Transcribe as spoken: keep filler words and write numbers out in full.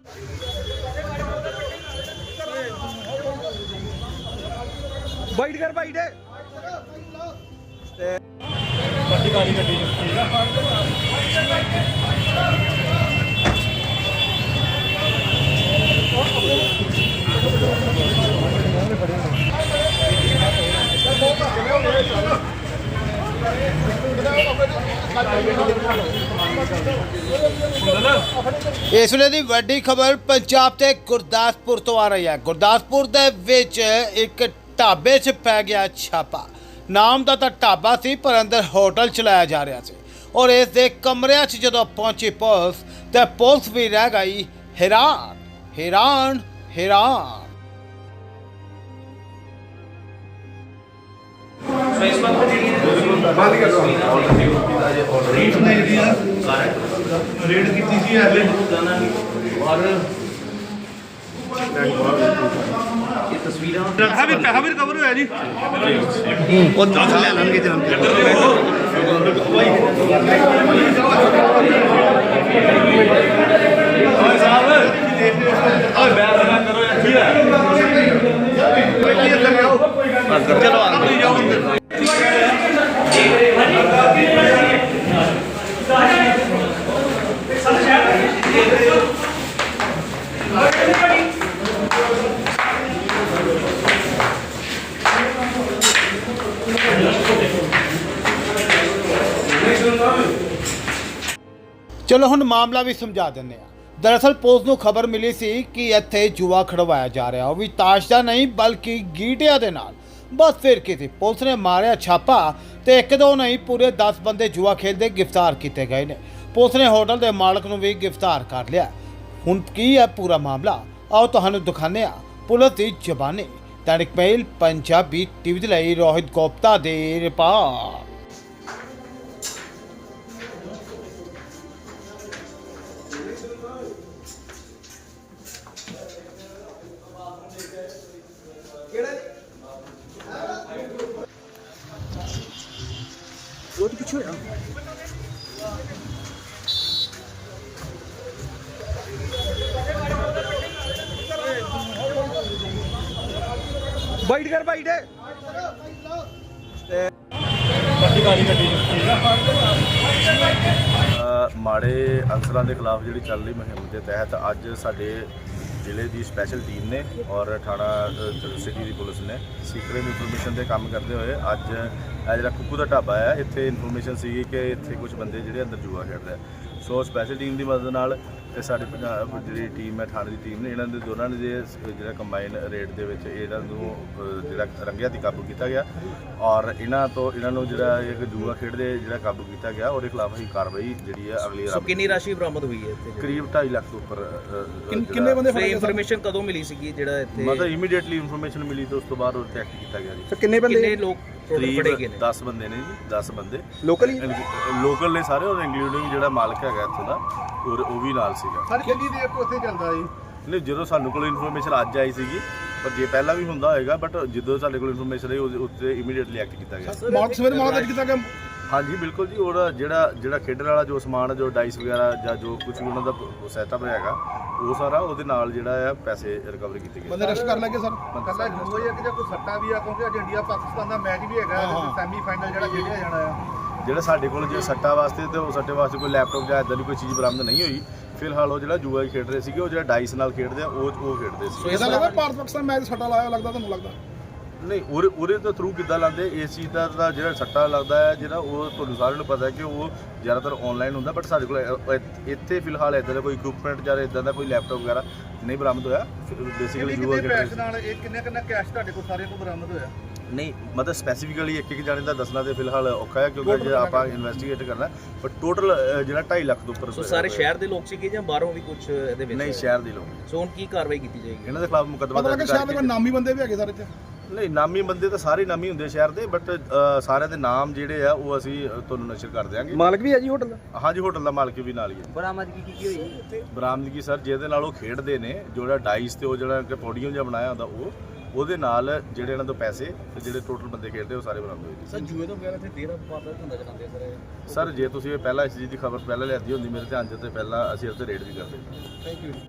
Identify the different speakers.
Speaker 1: Bite कर bite है
Speaker 2: इस ਵੇਲੇ ਦੀ ਵੱਡੀ ਖਬਰ ਪੰਜਾਬ ਤੇ ਗੁਰਦਾਸਪੁਰ ਤੋਂ ਆ ਰਹੀ ਹੈ। ਗੁਰਦਾਸਪੁਰ ਦੇ ਵਿੱਚ ਇੱਕ ਢਾਬੇ 'ਚ ਪੈ ਗਿਆ ਛਾਪਾ। ਨਾਮ ਦਾ ਤਾਂ ਢਾਬਾ ਸੀ ਪਰ ਅੰਦਰ ਹੋਟਲ ਚਲਾਇਆ ਜਾ ਰਿਹਾ ਸੀ ਔਰ ਇਸ ਦੇ ਕਮਰਿਆਂ 'ਚ ਜਦੋਂ ਪਹੁੰਚੀ ਪੁਲਿਸ ਤੇ ਪੁਲਿਸ ਵੀ ਰਹਿ ਗਈ ਹੈਰਾਨ ਹੈਰਾਨ ਹੈਰਾਨ।
Speaker 3: रेड की थी हले और ये तस्वीरें पैसा भी पैसा भी रिकवर होया जी और दस ले लेंगे जान ओए साहब ओए बैठ करो यार चलो अंदर जाओ अंदर
Speaker 2: ਚਲੋ ਹੁਣ ਮਾਮਲਾ ਵੀ ਸਮਝਾ ਦਿੰਦੇ ਆ। ਦਰਅਸਲ ਪੁਲਿਸ ਨੂੰ ਖਬਰ ਮਿਲੀ ਸੀ ਕਿ ਇੱਥੇ ਜੂਆ ਖੜਵਾਇਆ ਜਾ ਰਿਹਾ, ਉਹ ਵੀ ਤਾਸ਼ ਦਾ ਨਹੀਂ ਬਲਕਿ ਗੀਟਿਆਂ ਦੇ ਨਾਲ। ਬਸ ਫਿਰ ਕੀ ਸੀ, ਪੁਲਿਸ ਨੇ ਮਾਰਿਆ ਛਾਪਾ ਤੇ ਇੱਕ ਦੋ ਨਹੀਂ ਪੂਰੇ ਦਸ ਬੰਦੇ ਜੂਆ ਖੇਡਦੇ ਗ੍ਰਿਫਤਾਰ ਕੀਤੇ ਗਏ ਨੇ। ਪੁਲਿਸ ਨੇ ਹੋਟਲ ਦੇ ਮਾਲਕ ਨੂੰ ਵੀ ਗ੍ਰਿਫਤਾਰ ਕਰ ਲਿਆ। ਹੁਣ ਕੀ ਹੈ ਪੂਰਾ ਮਾਮਲਾ, ਆਓ ਤੁਹਾਨੂੰ ਦਿਖਾਉਂਦੇ ਆ ਪੁਲਿਸ ਦੀ ਜ਼ਬਾਨੀ। ਦੈਨਿਕ ਮੇਲ ਪੰਜਾਬੀ ਟੀਵੀ ਦੇ ਲਈ ਰੋਹਿਤ ਗੁਪਤਾ ਦੀ ਰਿਪੋਰਟ।
Speaker 1: बहुत कुछ होया बाइट कर बाइट है
Speaker 4: ਮਾੜੇ ਅਨਸਰਾਂ ਦੇ ਖਿਲਾਫ ਜਿਹੜੀ ਚੱਲ ਰਹੀ ਮੁਹਿੰਮ ਦੇ ਤਹਿਤ ਅੱਜ ਸਾਡੇ ਜ਼ਿਲ੍ਹੇ ਦੀ ਸਪੈਸ਼ਲ ਟੀਮ ਨੇ ਔਰ ਥਾਣਾ ਸਿਟੀ ਦੀ ਪੁਲਿਸ ਨੇ ਸੀਕ੍ਰੇਟ ਇਨਫੋਰਮੇਸ਼ਨ ਤੇ ਕੰਮ ਕਰਦੇ ਹੋਏ ਅੱਜ ਇਹ ਜਿਹੜਾ ਕੁੱਕੂ ਦਾ ਢਾਬਾ ਹੈ ਇੱਥੇ ਇਨਫੋਰਮੇਸ਼ਨ ਸੀਗੀ ਕਿ ਇੱਥੇ ਕੁਝ ਬੰਦੇ ਜਿਹੜੇ ਅੰਦਰ ਜੂਆ ਖੇਡਦੇ ਆ। ਸੋ ਸਪੈਸ਼ਲ ਟੀਮ ਦੀ ਮਦਦ ਨਾਲ ਤੇ ਸਾਡੀ ਪੰਜਾਬ ਜਿਹੜੀ ਟੀਮ ਹੈ ਥਾਣੇ ਦੀ ਟੀਮ ਨੇ ਇਹਨਾਂ ਦੇ ਦੋਨਾਂ ਨੇ ਜਿਹੜਾ ਕੰਬਾਈਨ ਰੇਟ ਦੇ ਵਿੱਚ ਇਹਨਾਂ ਨੂੰ ਜਿਹੜਾ ਰੰਗਿਆਂ ਦੀ ਕਾਬੂ ਕੀਤਾ ਗਿਆ ਔਰ ਇਹਨਾਂ ਤੋਂ ਇਹਨਾਂ ਨੂੰ ਜਿਹੜਾ ਇੱਕ ਜੂਆ ਖੇਡਦੇ ਜਿਹੜਾ ਕਾਬੂ ਕੀਤਾ ਗਿਆ ਉਹਦੇ ਖਿਲਾਫ ਹੀ ਕਾਰਵਾਈ ਜਿਹੜੀ ਹੈ ਅਗਲੀ
Speaker 3: ਸੋ ਕਿੰਨੀ ਰਾਸ਼ੀ ਬਰਾਮਦ ਹੋਈ ਹੈ ਇੱਥੇ?
Speaker 4: ਕਰੀਬ ਢਾਈ ਲੱਖ ਤੋਂ ਉੱਪਰ।
Speaker 1: ਕਿੰਨੇ ਬੰਦੇ
Speaker 3: ਫੜੇ? ਇਨਫੋਰਮੇਸ਼ਨ ਕਦੋਂ ਮਿਲੀ ਸੀਗੀ ਜਿਹੜਾ ਇੱਥੇ?
Speaker 4: ਮਤਲਬ ਇਮੀਡੀਏਟਲੀ ਇਨਫੋਰਮੇਸ਼ਨ ਮਿਲੀ ਤੇ ਉਸ ਤੋਂ ਬਾਅਦ ਉਹ ਐਕਟ ਕੀਤਾ ਗਿਆ ਜੀ।
Speaker 1: ਕਿੰਨੇ ਬੰਦੇ?
Speaker 3: ਕਿੰਨੇ ਲੋਕ ਫੜੇ ਗਏ ਨੇ?
Speaker 4: ਦਸ ਬੰਦੇ ਨੇ ਜੀ, ਦਸ ਬੰਦੇ
Speaker 1: ਲੋਕਲ ਹੀ
Speaker 4: ਲੋਕਲ ਨੇ ਸਾਰੇ ਔਰ ਇੰਕਲੂਡਿੰਗ ਜਿਹੜਾ ਮਾਲਕ ਹੈਗਾ ਇੱਥੋਂ ਦਾ ਔਰ ਉਹ ਵੀ ਨਾਲ ਸੀਗਾ।
Speaker 1: ਸਰ ਕਿੰਨੀ ਦੇਰ ਤੋਂ ਉੱਥੇ ਚੱਲਦਾ ਜੀ?
Speaker 4: ਨਹੀਂ, ਜਦੋਂ ਸਾਨੂੰ ਕੋਲ ਇਨਫੋਰਮੇਸ਼ਨ ਅੱਜ ਆਈ ਸੀਗੀ ਪਰ ਜੇ ਪਹਿਲਾਂ ਵੀ ਹੁੰਦਾ ਹੋਏਗਾ ਬਟ ਜਦੋਂ ਸਾਡੇ ਕੋਲ ਇਨਫੋਰਮੇਸ਼ਨ ਆਈ ਉਹਦੇ ਉੱਤੇ ਇਮੀਡੀਏਟਲੀ ਐਕਟ ਕੀਤਾ ਗਿਆ।
Speaker 1: ਮਾਰਚ ਸਵੇਰ ਮਾਰਚ ਕੀਤਾ ਗਿਆ।
Speaker 4: ਹਾਂਜੀ ਬਿਲਕੁਲ ਜੀ। ਉਹਦਾ ਜਿਹੜਾ ਜਿਹੜਾ ਖੇਡਣ ਵਾਲਾ ਜੋ ਸਮਾਨ ਜੋ ਡਾਈਸ ਵਗੈਰਾ ਜਾਂ ਜੋ ਕੁਝ ਵੀ ਉਹਨਾਂ ਦਾ ਸੈਟਅਪ ਹੈਗਾ ਉਹ ਸਾਰਾ ਉਹਦੇ ਨਾਲ ਜਿਹੜਾ ਆ ਪੈਸੇ ਰਿਕਵਰ ਕੀਤੇ ਗਏ।
Speaker 1: ਬੰਦੇ ਰੈਸਟ ਕਰ ਲੱਗੇ ਸਰ?
Speaker 5: ਕੱਲਾ ਜੂਆ ਜਾਂ ਕਿ ਜਾਂ ਕੋਈ ਸੱਟਾ ਵੀ ਆ ਕਿਉਂਕਿ ਅੱਜ ਇੰਡੀਆ ਪਾਕਿਸਤਾਨ ਦਾ ਮੈਚ ਵੀ ਹੈਗਾ ਸੈਮੀ ਫਾਈਨਲ ਜਿਹੜਾ ਖੇਡਿਆ ਜਾਣਾ ਆ।
Speaker 4: ਜਿਹੜਾ ਸਾਡੇ ਕੋਲ ਜੇ ਸੱਟਾ ਵਾਸਤੇ ਤੇ ਉਹ ਸੱਟੇ ਵਾਸਤੇ ਕੋਈ ਲੈਪਟਾਪ ਜਾਂ ਇਦਾਂ ਦੀ ਕੋਈ ਚੀਜ਼ ਬਰਾਮਦ ਨਹੀਂ ਹੋਈ। ਫਿਲਹਾਲ ਉਹ ਜਿਹੜਾ ਜੂਆ ਖੇਡ ਰਹੇ ਸੀਗੇ ਉਹ ਜਿਹੜਾ ਡਾਈਸ ਨਾਲ ਖੇਡਦੇ ਆ ਉਹ ਉਹ ਖੇਡਦੇ ਸੀ।
Speaker 1: ਇਹਦਾ ਲੱਗਦਾ ਭਾਰਤ ਪਾਕਿਸਤਾਨ ਮੈਚ ਸੱਟਾ ਲਾਇਆ ਲੱਗਦਾ ਤੁਹਾਨੂੰ ਲੱਗਦਾ?
Speaker 4: ਨਹੀਂ, ਉਹਦੇ ਉਹਦੇ ਤੋਂ ਥਰੂ ਕਿੱਦਾਂ ਲਾਉਂਦੇ ਇਸ ਚੀਜ਼ ਦਾ ਤਾਂ ਜਿਹੜਾ ਸੱਟਾ ਲੱਗਦਾ ਹੈ ਜਿਹੜਾ ਉਹ ਤੁਹਾਨੂੰ ਸਾਰਿਆਂ ਨੂੰ ਪਤਾ ਹੈ ਕਿ ਉਹ ਜ਼ਿਆਦਾਤਰ ਆਨਲਾਈਨ ਹੁੰਦਾ ਬਟ ਸਾਡੇ ਕੋਲ ਇੱਥੇ ਫਿਲਹਾਲ ਇੱਦਾਂ ਦਾ ਕੋਈ ਇਕਵਿਪਮੈਂਟ ਜਾਂ ਇੱਦਾਂ ਦਾ ਕੋਈ ਲੈਪਟਾਪ ਵਗੈਰਾ ਨਹੀਂ ਬਰਾਮਦ ਹੋਇਆ। ਬੇਸਿਕਲੀ ਜੂਆ
Speaker 5: ਖੇਡ ਨਾਲ ਇਹ ਕਿੰਨੇ ਕਿੰਨਾ ਕੈਸ਼ ਤੁਹਾਡੇ ਕੋਲ ਸਾਰੇ ਕੋਲ ਬਰਾਮਦ ਹੋਇਆ?
Speaker 4: ਨਹੀਂ, ਮਤਲਬ ਸਪੈਸੀਫਿਕਲੀ ਇੱਕ ਇੱਕ ਜਾਣੇ ਦਾ ਦੱਸਣਾ ਤੇ ਫਿਲਹਾਲ ਔਖਾ ਹੈ ਕਿਉਂਕਿ ਜੇ ਆਪਾਂ ਇਨਵੈਸਟੀਗੇਟ ਕਰਨਾ ਬਟ ਟੋਟਲ ਜਿਹੜਾ ਢਾਈ ਲੱਖ ਤੋਂ ਉੱਪਰ।
Speaker 3: ਸੋ ਸਾਰੇ ਸ਼ਹਿਰ ਦੇ ਲੋਕ ਸੀਗੇ ਜਾਂ ਬਾਹਰੋਂ ਵੀ ਕੁਝ ਇਹਦੇ ਵਿੱਚ?
Speaker 4: ਨਹੀਂ, ਸ਼ਹਿਰ ਦੇ ਲੋਕ।
Speaker 3: ਸੋ ਹੁਣ ਕੀ ਕਾਰਵਾਈ ਕੀਤੀ ਜਾਏਗੀ?
Speaker 4: ਇਹਨਾਂ ਦੇ ਖਿਲਾਫ ਮੁਕੱਦਮਾ
Speaker 1: ਪਤਾ ਲੱਗਾ ਸ਼ਹਿਰ ਦੇ ਕੋਈ ਨਾਮੀ ਬੰਦੇ ਵੀ ਹੈਗੇ ਸਾਰੇ ਇੱਥੇ?
Speaker 4: ਨਹੀਂ, ਨਾਮੀ ਬੰਦੇ ਤਾਂ ਸਾਰੇ ਨਾਮੀ ਹੁੰਦੇ ਸ਼ਹਿਰ ਦੇ ਬਟ ਸਾਰਿਆਂ ਦੇ ਨਾਮ ਜਿਹੜੇ ਆ ਉਹ ਅਸੀਂ ਤੁਹਾਨੂੰ ਨਸ਼ਰ ਕਰ ਦਿਆਂਗੇ।
Speaker 1: ਮਾਲਕ ਵੀ ਹੈ ਜੀ ਹੋਟਲ ਦਾ?
Speaker 4: ਹਾਂਜੀ, ਹੋਟਲ ਦਾ ਮਾਲਕ ਵੀ ਨਾਲ ਹੀ ਹੈ।
Speaker 3: ਬਰਾਮਦਗੀ ਕੀ ਕੀ ਹੋਈ?
Speaker 4: ਬਰਾਮਦਗੀ ਸਰ ਜਿਹਦੇ ਨਾਲ ਉਹ ਖੇਡਦੇ ਨੇ ਜਿਹੜਾ ਡਾਈਸ ਤੇ ਉਹ ਜਿਹੜਾ ਪੋਡੀਅਮ ਜਿਹਾ ਬਣਾਇਆ ਹੁੰਦਾ ਉਹ ਉਹਦੇ ਨਾਲ ਜਿਹੜੇ ਇਹਨਾਂ ਤੋਂ ਪੈਸੇ ਤੇ ਜਿਹੜੇ ਟੋਟਲ ਬੰਦੇ ਖੇਡਦੇ ਉਹ ਸਾਰੇ ਬਰਾਮਦ ਹੋਏ ਜੀ।
Speaker 3: ਸਰ ਜੂਏ ਤੋਂ ਵਗੈਰਾ ਤੇ ਦੇਰ ਵਾਰਦਾਤ ਧੰਦਾ ਚਲਾਉਂਦੇ ਸਰ?
Speaker 4: ਸਰ ਜੇ ਤੁਸੀਂ ਇਹ ਪਹਿਲਾਂ ਇਸ ਚੀਜ਼ ਦੀ ਖਬਰ ਪਹਿਲਾਂ ਲਿਆਦੀ ਹੁੰਦੀ ਮੇਰੇ ਧਿਆਨ 'ਚ ਤੇ ਪਹਿਲਾਂ ਅਸੀਂ ਉਸ ਤੇ ਰੇਡ ਵੀ ਕਰਦੇ।
Speaker 1: Thank you.